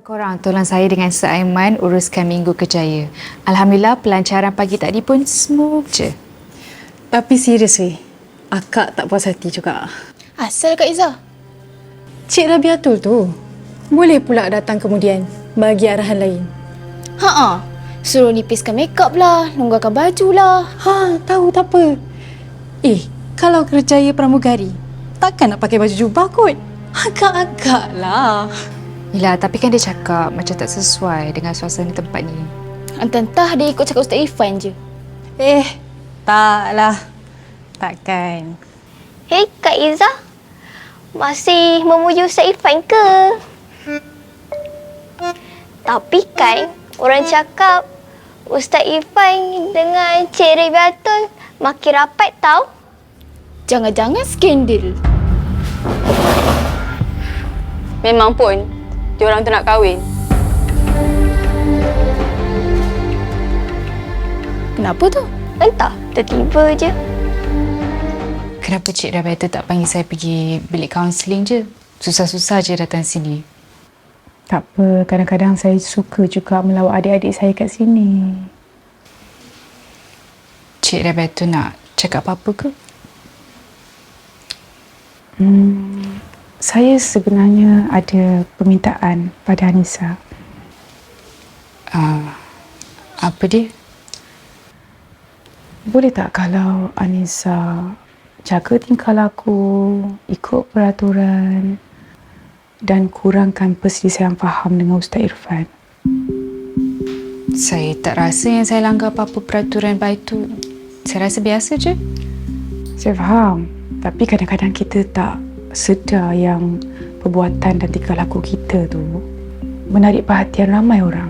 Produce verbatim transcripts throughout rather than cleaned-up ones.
korang tolong saya dengan Sir Aiman uruskan Minggu Kejaya. Alhamdulillah pelancaran pagi tadi pun smooth je. Tapi serius weh, akak tak puas hati juga. Asal Kak Izzah? Cik Rabiatul tu boleh pula datang kemudian bagi arahan lain. Ha-ha. Suruh nipiskan makeup lah, longgarkan baju lah. Ha, tahu tak apa. Eh, kalau kerjaya pramugari, takkan nak pakai baju jubah kot. Agak-agak lah. Yelah, tapi kan dia cakap macam tak sesuai dengan suasana tempat ni. Entah-entah dia ikut cakap Ustaz Irfan je. Eh, taklah. Takkan. Hei Kak Izzah, masih memuji Ustaz Irfan ke? Tapi kan orang cakap Ustaz Irfan dengan Cik Rabiatul makin rapat tau. Jangan-jangan skandal. Memang pun, diorang tu nak kahwin. Kenapa tu? Entah, tiba-tiba je. Kenapa Cik Rabiatul tak panggil saya pergi bilik kaunseling je? Susah-susah je datang sini. Tak apa, kadang-kadang saya suka juga melawat adik-adik saya kat sini. Cik Rabiatul nak cakap apa-apa ke? Hmm, saya sebenarnya ada permintaan pada Anissa. Uh, apa dia? Boleh tak kalau Anissa jaga tingkah laku, ikut peraturan dan kurangkan perselisihan faham dengan Ustaz Irfan? Saya tak rasa yang saya langgar apa-apa peraturan baik tu. Saya rasa biasa je. Saya faham, tapi kadang-kadang kita tak sedar yang perbuatan dan tingkah laku kita tu menarik perhatian ramai orang.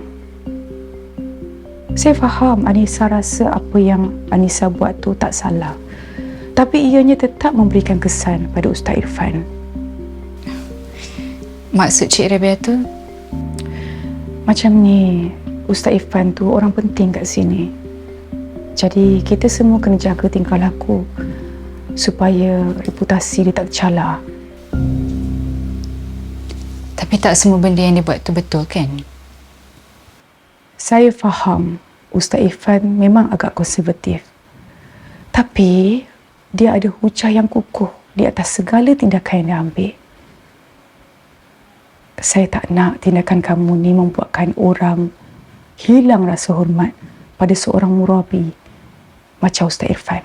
Saya faham Anissa rasa apa yang Anissa buat tu tak salah. Tapi ianya tetap memberikan kesan pada Ustaz Irfan. Maksud Cik Rabiatul? Macam ni, Ustaz Irfan tu orang penting kat sini. Jadi kita semua kena jaga tingkah laku supaya reputasi dia tak tercalar. Tapi tak semua benda yang dia buat tu betul kan? Saya faham Ustaz Irfan memang agak konservatif. Tapi dia ada hujah yang kukuh di atas segala tindakan yang dia ambil. Saya tak nak tindakan kamu ni membuatkan orang hilang rasa hormat pada seorang murabi macam Ustaz Irfan.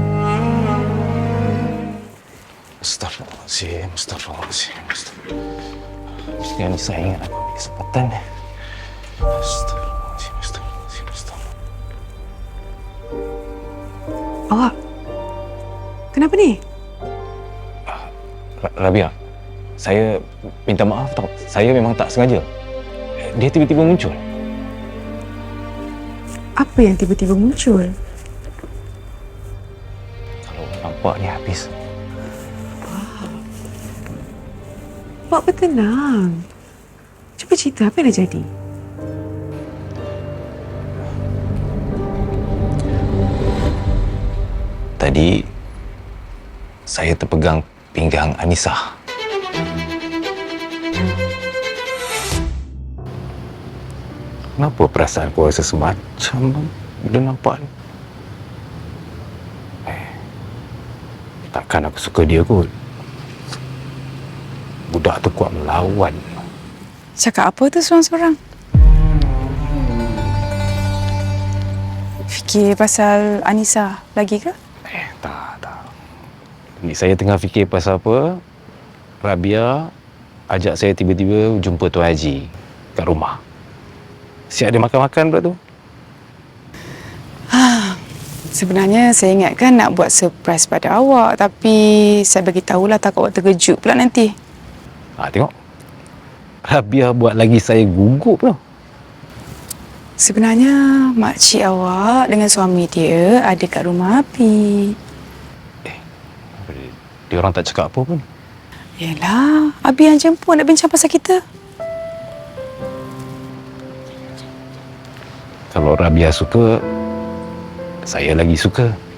Astaghfirullahaladzim, astaghfirullahaladzim, astaghfirullahaladzim. Mesti Anissa ingat aku ambil kesempatan ni. Astaghfirullahaladzim, astaghfirullahaladzim, astaghfirullahaladzim. Awak, kenapa ni? Rabia, saya minta maaf tau. Saya memang tak sengaja. Dia tiba-tiba muncul. Apa yang tiba-tiba muncul? Kalau nampak ni habis. Awak bertenang. Cuba cerita apa yang dah jadi. Tadi saya terpegang pinggang Anissa. Kenapa perasaan aku rasa semacam bila nampak ni? Eh, takkan aku suka dia kot. Budak tu kuat melawan. Cakap apa tu seorang-seorang? Fikir pasal Anissa lagi ke? Eh, tak, tak. Ni saya tengah fikir pasal apa. Rabia ajak saya tiba-tiba jumpa Tuan Haji kat rumah. Siap dia makan-makan pula tu. Sebenarnya saya ingatkan nak buat surprise pada awak, tapi saya bagi tahulah takut awak terkejut pula nanti. Ha, tengok. Rabia buat lagi saya gugup tau. Sebenarnya makcik awak dengan suami dia ada kat rumah Abi. Eh, dia orang tak cakap apa pun. Yelah, Abi yang jemput nak bincang pasal kita. Kalau Rabia suka, saya lagi suka.